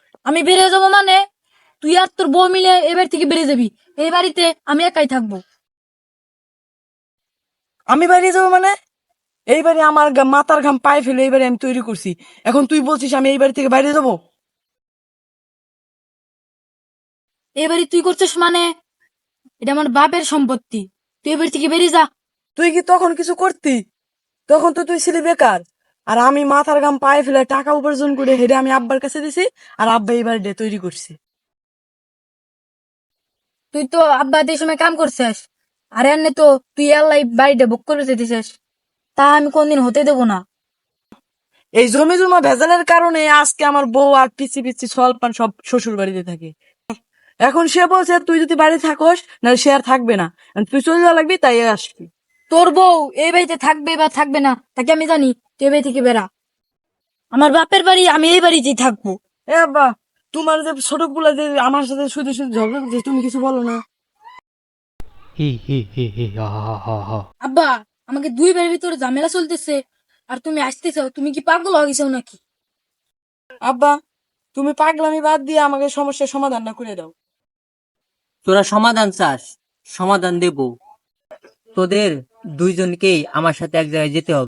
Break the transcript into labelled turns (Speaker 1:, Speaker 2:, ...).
Speaker 1: আমি বেরিয়ে যাবো মানে তুই আর তোর বউ মিলে এবার থেকে বেরিয়ে যাবি। এই বাড়িতে আমি একাই থাকবো।
Speaker 2: আমি বাইরে যাবো মানে? এইবারে আমার মাথার ঘাম পায়ে ফেলে এইবারে আমি তৈরি করছি। এখন তুই বলছিস আমি এই বাড়ি থেকে বাইরে যাবো?
Speaker 1: এই বাড়ি তুই করছিস মানে এটা আমার বাপের সম্পত্তি। তুই এবার থেকে বেরিয়ে যা।
Speaker 2: তুই কি তখন কিছু করতি? তখন তো তুই ছিলি বেকার। আর আমি মাথার ঘাম পায়ে ফেলে টাকা উপার্জন করে হেরে আমি আব্বার কাছে দিছি। আর আব্বা এই বাড়িটা তৈরি করছে।
Speaker 1: তুই তো আব্বা এই সময় কাম করছিস, আর এমনি তো তুই আল্লাহ বাড়িটা বুক করে দিতেছিস। তা আমি কোনদিন হতে দেবো না।
Speaker 2: এই জমি জমা ভেজালের কারণে আজকে আমার বউ আর পিছি পিছি সলপান সব শ্বশুর বাড়িতে থাকে। এখন সে বলছে তুই যদি বাড়ি থাকোস না সে আর থাকবে না, তুই চলে যাওয়া লাগবি তাই আসবি।
Speaker 1: তোর বউ এই বাড়িতে থাকবে বা থাকবে না তাকে আমি জানি। তুই এই বাড়ি থেকে বেরা। আমার বাপের বাড়ি, আমি এই বাড়িতেই থাকবো।
Speaker 2: এ আব্বা, তোমার যে ছোট গুলা যে আমার সাথে শুধু শুধু ঝগড়া করছে তুমি কিছু বলো না?
Speaker 3: হি হি হি হি হা হা হা হা।
Speaker 1: আব্বা, আমাকে দুই বাড়ির ভিতরে ঝামেলা চলতেছে আর তুমি আসতেছো। তুমি কি পাগল হয়ে গেছো নাকি?
Speaker 2: আব্বা, তুমি পাগলামি বাদ দিয়ে আমাকে সমস্যার সমাধান না করে দাও।
Speaker 4: তোরা সমাধান চাস, সমাধান দেব। তোদের দুইজনকেই আমার সাথে এক জায়গায় যেতে হবে।